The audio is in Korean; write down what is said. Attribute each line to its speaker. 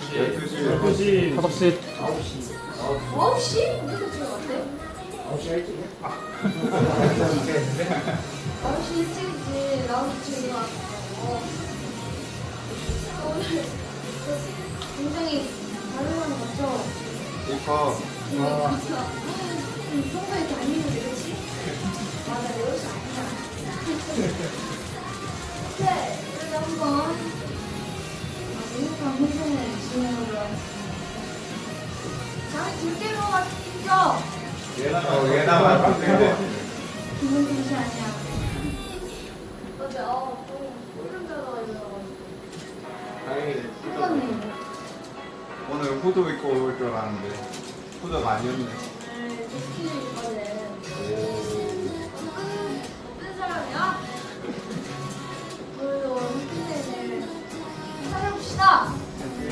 Speaker 1: 12시.
Speaker 2: 5시.
Speaker 3: 9시? 어디서 지금 왔대?
Speaker 1: 9시 일찍.
Speaker 3: 9시 일찍이지. 나도 지금 일어났어. 오늘 굉장히 다른 건 같죠?
Speaker 4: 이뻐.
Speaker 3: 평소에 이렇게 안 입는데, 그치? 맞아, 내 옷이 아니야. 네, 그래서 한번 유니폼 회전을 진행하도록 하겠습니다. 자, 둘째로 왔죠?
Speaker 4: 얘나 맞는데.
Speaker 3: 기분 탓이 아니야. 어제, 또, 소름 돋아가지고.
Speaker 4: 다행이네.
Speaker 3: 이거네.
Speaker 4: 오늘 후드 입고 올 줄 알았는데 후드가 아니었네.